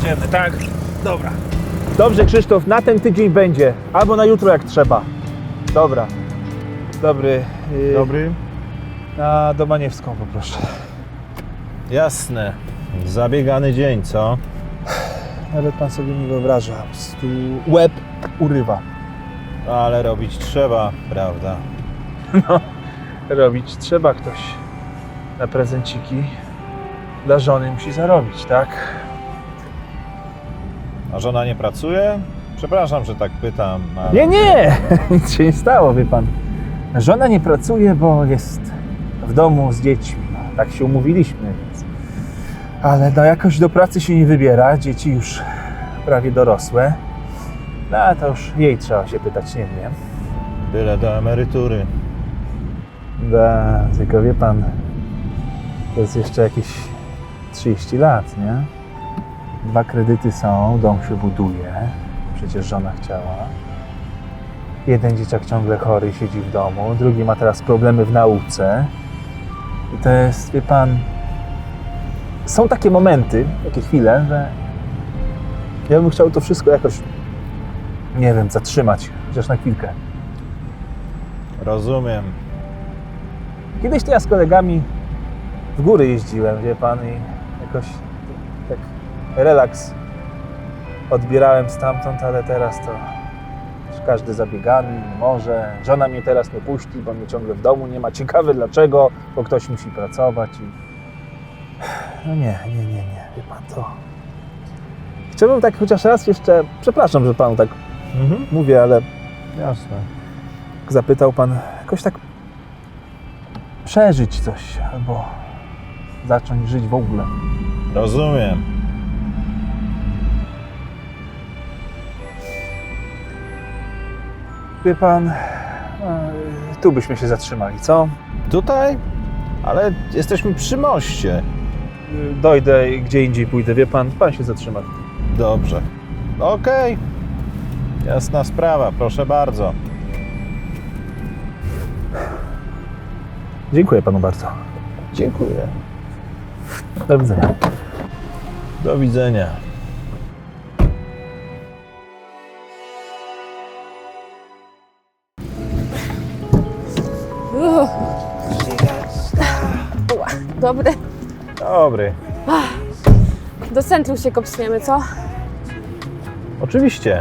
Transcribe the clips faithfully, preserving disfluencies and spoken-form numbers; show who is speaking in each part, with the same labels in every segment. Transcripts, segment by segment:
Speaker 1: jedziemy, tak? Dobra. Dobrze, Krzysztof, na ten tydzień będzie. Albo na jutro, jak trzeba. Dobra. Dobry. Yy,
Speaker 2: Dobry.
Speaker 1: Na Domaniewską poproszę.
Speaker 2: Jasne. Zabiegany dzień, co?
Speaker 1: Nawet pan sobie nie wyobraża. Po prostu łeb urywa.
Speaker 2: Ale robić trzeba, prawda?
Speaker 1: No, robić trzeba, ktoś na prezenciki dla żony musi zarobić, tak?
Speaker 2: A żona nie pracuje? Przepraszam, że tak pytam. Ale...
Speaker 1: Nie, nie! Nic się nie stało, wie pan. Żona nie pracuje, bo jest w domu z dziećmi. No, tak się umówiliśmy, więc... Ale no, jakoś do pracy się nie wybiera. Dzieci już prawie dorosłe. No, a to już jej trzeba się pytać, nie wiem.
Speaker 2: Byle do emerytury.
Speaker 1: Da, tylko wie pan, to jest jeszcze jakieś trzydzieści lat, nie? Dwa kredyty są, dom się buduje, przecież żona chciała. Jeden dzieciak ciągle chory siedzi w domu, drugi ma teraz problemy w nauce. I to jest, wie pan, są takie momenty, takie chwile, że ja bym chciał to wszystko jakoś, nie wiem, zatrzymać, chociaż na chwilkę.
Speaker 2: Rozumiem.
Speaker 1: Kiedyś to ja z kolegami w góry jeździłem, wie pan, i jakoś tak relaks odbierałem stamtąd, ale teraz to już każdy zabiegany, nie może. Żona mnie teraz nie puści, bo mnie ciągle w domu nie ma. Ciekawe dlaczego, bo ktoś musi pracować i... No nie, nie, nie, nie, wie pan, to... Chciałbym tak chociaż raz jeszcze, przepraszam, że panu tak
Speaker 2: Mhm.
Speaker 1: mówię, ale
Speaker 2: Jasne.
Speaker 1: zapytał pan jakoś tak przeżyć coś, albo zacząć żyć w ogóle.
Speaker 2: Rozumiem.
Speaker 1: Wie pan, e, tu byśmy się zatrzymali, co?
Speaker 2: Tutaj? Ale jesteśmy przy moście.
Speaker 1: Dojdę i gdzie indziej pójdę, wie pan, pan się zatrzyma.
Speaker 2: Dobrze. Okej. Jasna sprawa, proszę bardzo.
Speaker 1: Dziękuję panu bardzo.
Speaker 2: Dziękuję.
Speaker 1: Do widzenia.
Speaker 2: Do widzenia.
Speaker 3: Uff. Ła, Dobry.
Speaker 2: Dobry.
Speaker 3: Do centrum się kopsniemy, co?
Speaker 2: Oczywiście.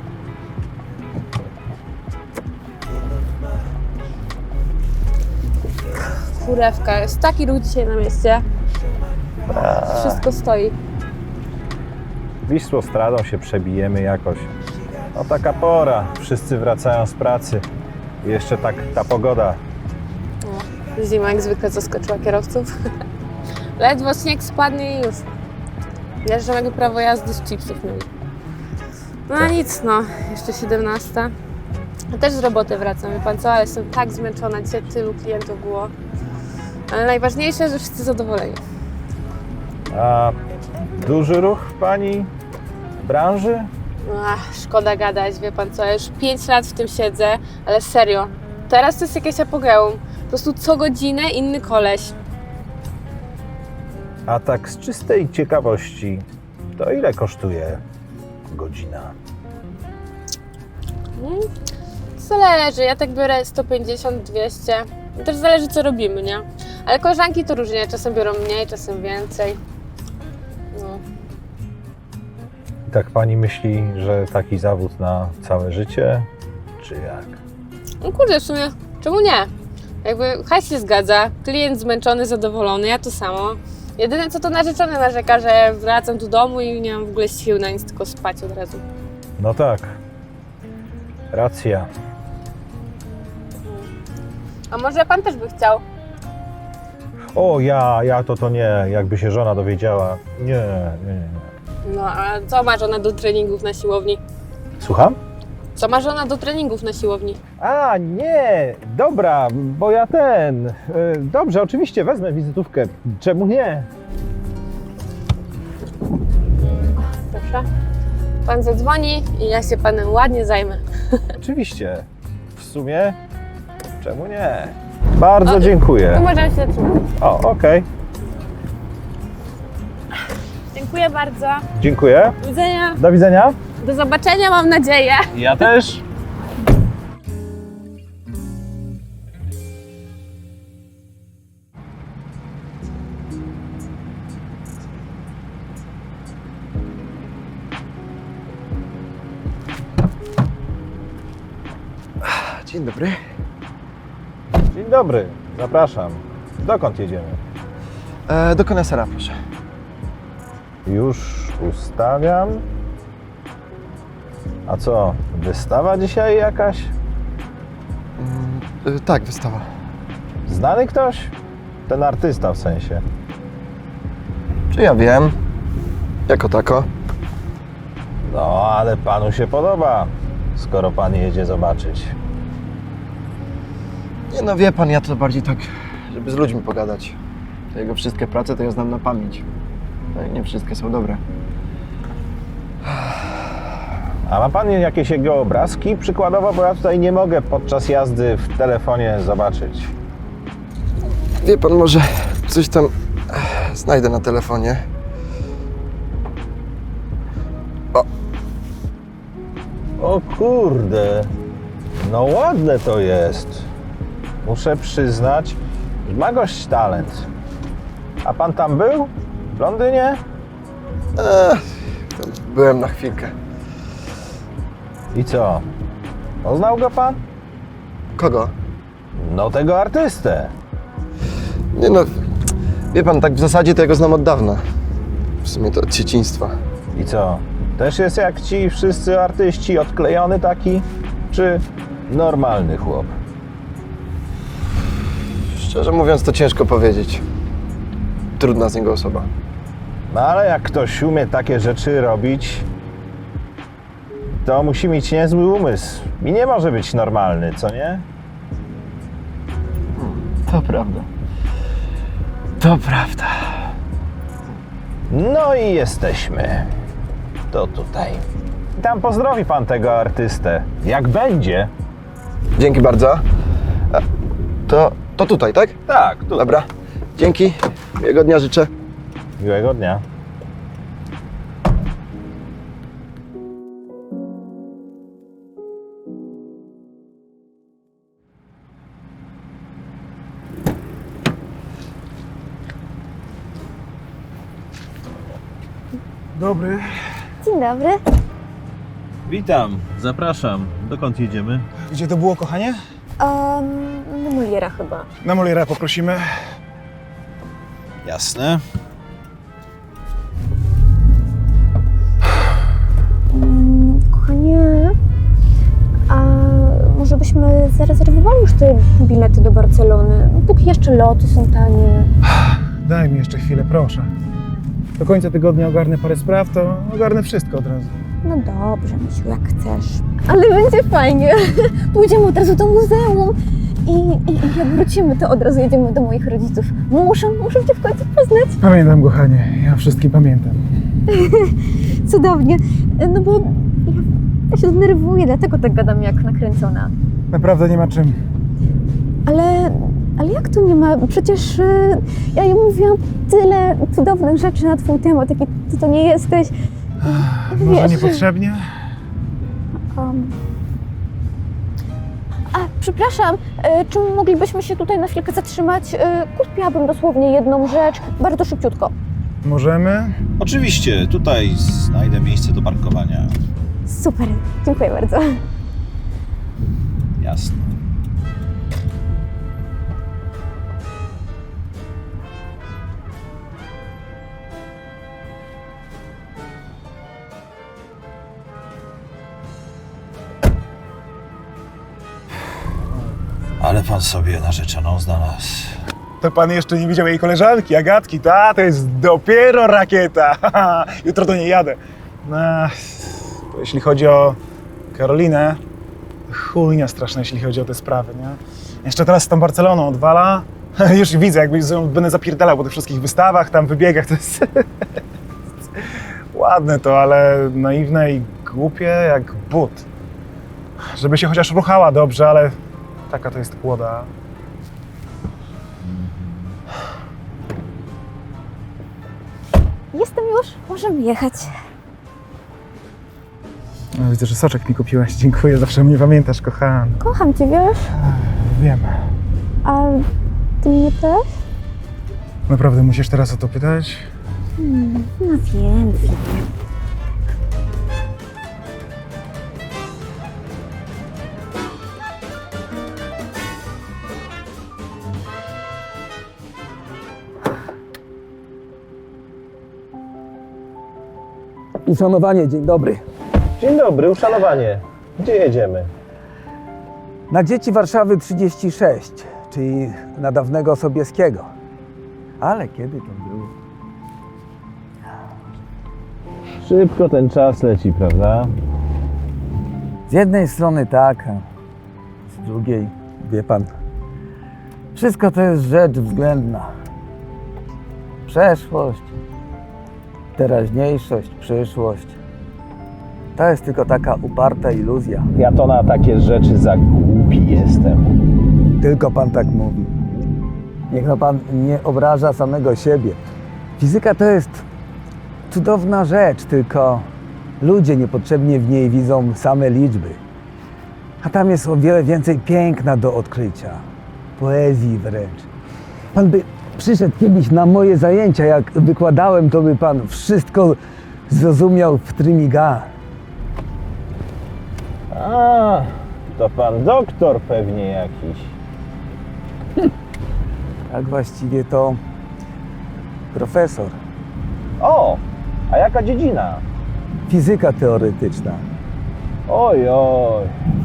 Speaker 3: Kurewka, jest taki ruch dzisiaj na mieście. Wszystko stoi.
Speaker 2: Wisłostradą się przebijemy jakoś. No taka pora. Wszyscy wracają z pracy. I jeszcze tak ta pogoda.
Speaker 3: O, zima jak zwykle zaskoczyła kierowców. Ledwo śnieg spadnie i już. Jeżdżą jakby prawo jazdy z chipsów mieli. No a nic, no. Jeszcze siedemnasta. Ja też z roboty wracam, wie pan co? Ale jestem tak zmęczona. Dzisiaj tylu klientów było. Ale najważniejsze, że wszyscy zadowoleni.
Speaker 2: A duży ruch w pani branży?
Speaker 3: Ach, szkoda gadać, wie pan co, ja już pięć lat w tym siedzę, ale serio, teraz to jest jakieś apogeum. Po prostu co godzinę inny koleś.
Speaker 2: A tak z czystej ciekawości, to ile kosztuje godzina?
Speaker 3: Hmm, zależy, ja tak biorę sto pięćdziesiąt, dwieście. I też zależy co robimy, nie? Ale koleżanki to różnie, czasem biorą mniej, czasem więcej. No.
Speaker 2: I tak pani myśli, że taki zawód na całe życie? Czy jak?
Speaker 3: No kurde, w sumie, czemu nie? Jakby hajs się zgadza, klient zmęczony, zadowolony, ja to samo. Jedyne co to narzeczony narzeka, że wracam do domu i nie mam w ogóle sił na nic, tylko spać od razu.
Speaker 2: No tak. Racja.
Speaker 3: A może pan też by chciał?
Speaker 2: O, ja, ja to to nie. Jakby się żona dowiedziała. Nie, nie, nie.
Speaker 3: No a co ma żona do treningów na siłowni?
Speaker 2: Słucham?
Speaker 3: Co ma żona do treningów na siłowni?
Speaker 2: A, nie, dobra, bo ja ten. y, Dobrze, oczywiście wezmę wizytówkę. Czemu nie?
Speaker 3: Proszę. Pan zadzwoni i ja się panem ładnie zajmę.
Speaker 2: Oczywiście. W sumie, czemu nie? Bardzo
Speaker 3: O,
Speaker 2: dziękuję.
Speaker 3: To możemy się zatrzymać.
Speaker 2: O, okej.
Speaker 3: Dziękuję. Dziękuję bardzo.
Speaker 2: Dziękuję.
Speaker 3: Do widzenia.
Speaker 2: Do widzenia.
Speaker 3: Do zobaczenia, mam nadzieję.
Speaker 2: Ja też.
Speaker 4: Dzień dobry.
Speaker 2: Dzień dobry. Zapraszam. Dokąd jedziemy?
Speaker 4: E, do konesera, proszę.
Speaker 2: Już ustawiam. A co, wystawa dzisiaj jakaś?
Speaker 4: Mm, e, tak, wystawa.
Speaker 2: Znany ktoś? Ten artysta w sensie.
Speaker 4: Czy ja wiem? Jako tako.
Speaker 2: No, ale panu się podoba, skoro pan jedzie zobaczyć.
Speaker 4: Nie no, wie pan, ja to bardziej tak, żeby z ludźmi pogadać. Te jego wszystkie prace to ja znam na pamięć. No i nie wszystkie są dobre.
Speaker 2: A ma pan jakieś jego obrazki przykładowo, bo ja tutaj nie mogę podczas jazdy w telefonie zobaczyć.
Speaker 4: Wie pan, może coś tam znajdę na telefonie.
Speaker 2: O kurde, no ładne to jest. Muszę przyznać, że ma gość talent. A pan tam był? W Londynie?
Speaker 4: E, tam byłem na chwilkę.
Speaker 2: I co? Poznał go pan?
Speaker 4: Kogo?
Speaker 2: No tego artystę.
Speaker 4: Nie no, wie pan, tak w zasadzie to ja go znam od dawna. W sumie to od dzieciństwa.
Speaker 2: I co? Też jest jak ci wszyscy artyści, odklejony taki? Czy normalny chłop?
Speaker 4: Szczerze mówiąc, to ciężko powiedzieć. Trudna z niego osoba.
Speaker 2: No ale jak ktoś umie takie rzeczy robić, to musi mieć niezły umysł. I nie może być normalny, co nie?
Speaker 4: To prawda. To prawda.
Speaker 2: No i jesteśmy. To tutaj. I tam pozdrowi pan tego artystę. Jak będzie?
Speaker 4: Dzięki bardzo. A, to, to tutaj, tak?
Speaker 2: Tak, tu.
Speaker 4: Dobra. Dzięki. Miłego dnia życzę.
Speaker 2: Miłego dnia.
Speaker 1: Dobry.
Speaker 5: Dzień dobry.
Speaker 6: Witam, zapraszam. Dokąd jedziemy?
Speaker 1: Gdzie to było, kochanie?
Speaker 5: Um, do Moliera chyba.
Speaker 1: Na Moliera poprosimy.
Speaker 6: Jasne.
Speaker 5: Mm, kochanie, a może byśmy zarezerwowali już te bilety do Barcelony? Póki jeszcze loty są tanie.
Speaker 1: Daj mi jeszcze chwilę, proszę. Do końca tygodnia ogarnę parę spraw, to ogarnę wszystko od razu.
Speaker 5: No dobrze, Misiu, jak chcesz. Ale będzie fajnie. Pójdziemy od razu do muzeum i, i, i jak wrócimy, to od razu jedziemy do moich rodziców. Muszę, muszę Cię w końcu poznać.
Speaker 1: Pamiętam, kochanie. Ja wszystkim pamiętam.
Speaker 5: Cudownie. No bo ja, ja się zdenerwuję, dlatego tak gadam jak nakręcona.
Speaker 1: Naprawdę nie ma czym.
Speaker 5: Ale, ale jak to nie ma? Przecież y, ja jej mówiłam tyle cudownych rzeczy na twój temat, jaki ty to nie jesteś. I,
Speaker 1: Może
Speaker 5: wiesz,
Speaker 1: niepotrzebnie?
Speaker 5: um. A, przepraszam, y, czy moglibyśmy się tutaj na chwilkę zatrzymać? Y, kupiłabym dosłownie jedną rzecz, bardzo szybciutko.
Speaker 1: Możemy?
Speaker 6: Oczywiście, tutaj znajdę miejsce do parkowania.
Speaker 5: Super, dziękuję bardzo.
Speaker 6: Jasne. Ale pan sobie narzeczoną znalazł.
Speaker 1: To pan jeszcze nie widział jej koleżanki, Agatki. Ta, to jest dopiero rakieta. Jutro do niej jadę. No, jeśli chodzi o Karolinę, chujnia straszna, jeśli chodzi o te sprawy, nie? Jeszcze teraz z tą Barceloną odwala. Już widzę, jakby z nią będę zapierdalał po tych wszystkich wystawach, tam wybiegach. To jest ładne to, ale naiwne i głupie jak but. Żeby się chociaż ruchała dobrze, ale taka to jest kłoda.
Speaker 5: Jestem już, możemy jechać.
Speaker 1: No, widzę, że soczek mi kupiłaś. Dziękuję, zawsze mnie pamiętasz, kochana.
Speaker 5: Kocham cię, wiesz?
Speaker 1: Wiem.
Speaker 5: A ty mnie też?
Speaker 1: Naprawdę musisz teraz o to pytać?
Speaker 5: Hmm, no wiem, wiem.
Speaker 7: Uszanowanie, dzień dobry.
Speaker 2: Dzień dobry, uszanowanie. Gdzie jedziemy?
Speaker 7: Na dzieci Warszawy trzydzieści sześć, czyli na dawnego Sobieskiego. Ale kiedy to było?
Speaker 2: Szybko ten czas leci, prawda?
Speaker 7: Z jednej strony tak, a z drugiej, wie pan, wszystko to jest rzecz względna. Przeszłość, teraźniejszość, przyszłość. To jest tylko taka uparta iluzja.
Speaker 2: Ja to na takie rzeczy za głupi jestem.
Speaker 7: Tylko pan tak mówi. Niech no pan nie obraża samego siebie. Fizyka to jest cudowna rzecz, tylko ludzie niepotrzebnie w niej widzą same liczby. A tam jest o wiele więcej piękna do odkrycia. Poezji wręcz. Pan by przyszedł kiedyś na moje zajęcia, jak wykładałem, to by pan wszystko zrozumiał w trymiga.
Speaker 2: A, to pan doktor pewnie jakiś.
Speaker 7: Tak właściwie to profesor.
Speaker 2: O, a jaka dziedzina?
Speaker 7: Fizyka teoretyczna.
Speaker 2: Oj, oj.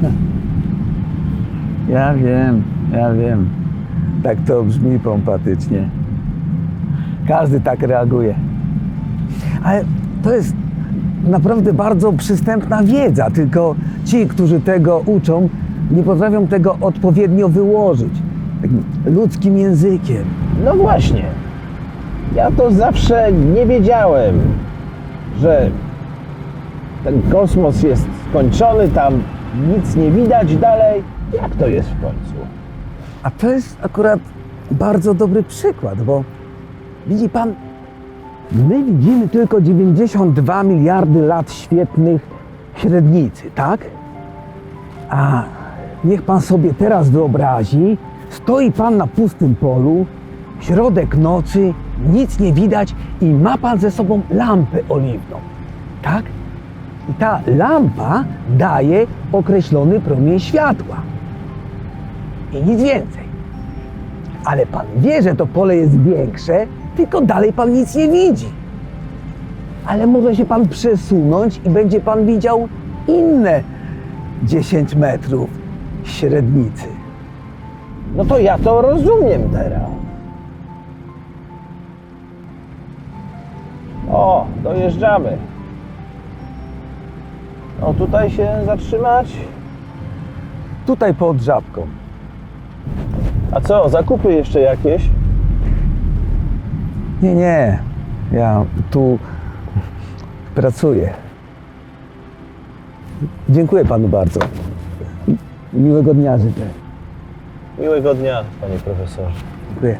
Speaker 7: Ja wiem, ja wiem. Tak to brzmi pompatycznie. Każdy tak reaguje. Ale to jest naprawdę bardzo przystępna wiedza, tylko ci, którzy tego uczą, nie potrafią tego odpowiednio wyłożyć. Takim ludzkim językiem.
Speaker 2: No właśnie. Ja to zawsze nie wiedziałem, że ten kosmos jest skończony, tam nic nie widać dalej. Jak to jest w końcu?
Speaker 7: A to jest akurat bardzo dobry przykład, bo widzi pan, my widzimy tylko dziewięćdziesiąt dwa miliardy lat świetlnych średnicy, tak? A niech pan sobie teraz wyobrazi, stoi pan na pustym polu, środek nocy, nic nie widać i ma pan ze sobą lampę oliwną, tak? I ta lampa daje określony promień światła. I nic więcej. Ale pan wie, że to pole jest większe, tylko dalej pan nic nie widzi. Ale może się pan przesunąć i będzie pan widział inne dziesięć metrów średnicy.
Speaker 2: No to ja to rozumiem teraz. O, dojeżdżamy. No tutaj się zatrzymać.
Speaker 7: Tutaj pod żabką.
Speaker 2: A co, zakupy jeszcze jakieś?
Speaker 7: Nie, nie. Ja tu pracuję. Dziękuję panu bardzo. Miłego dnia życzę.
Speaker 2: Miłego dnia, panie profesorze.
Speaker 7: Dziękuję.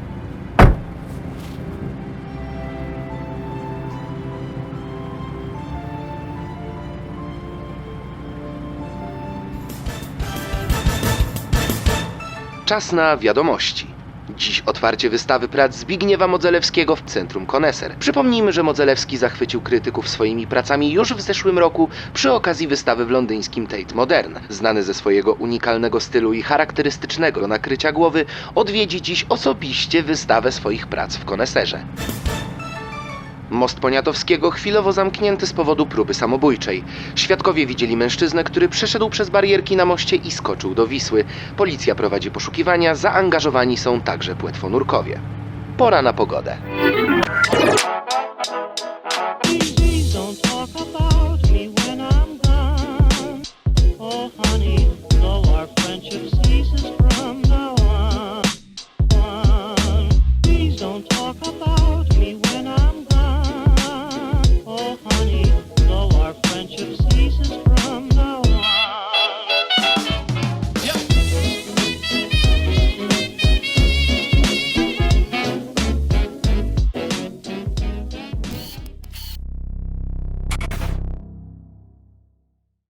Speaker 8: Czas na wiadomości. Dziś otwarcie wystawy prac Zbigniewa Modzelewskiego w Centrum Koneser. Przypomnijmy, że Modzelewski zachwycił krytyków swoimi pracami już w zeszłym roku przy okazji wystawy w londyńskim Tate Modern. Znany ze swojego unikalnego stylu i charakterystycznego nakrycia głowy, odwiedzi dziś osobiście wystawę swoich prac w Koneserze. Most Poniatowskiego chwilowo zamknięty z powodu próby samobójczej. Świadkowie widzieli mężczyznę, który przeszedł przez barierki na moście i skoczył do Wisły. Policja prowadzi poszukiwania, zaangażowani są także płetwonurkowie. Pora na pogodę.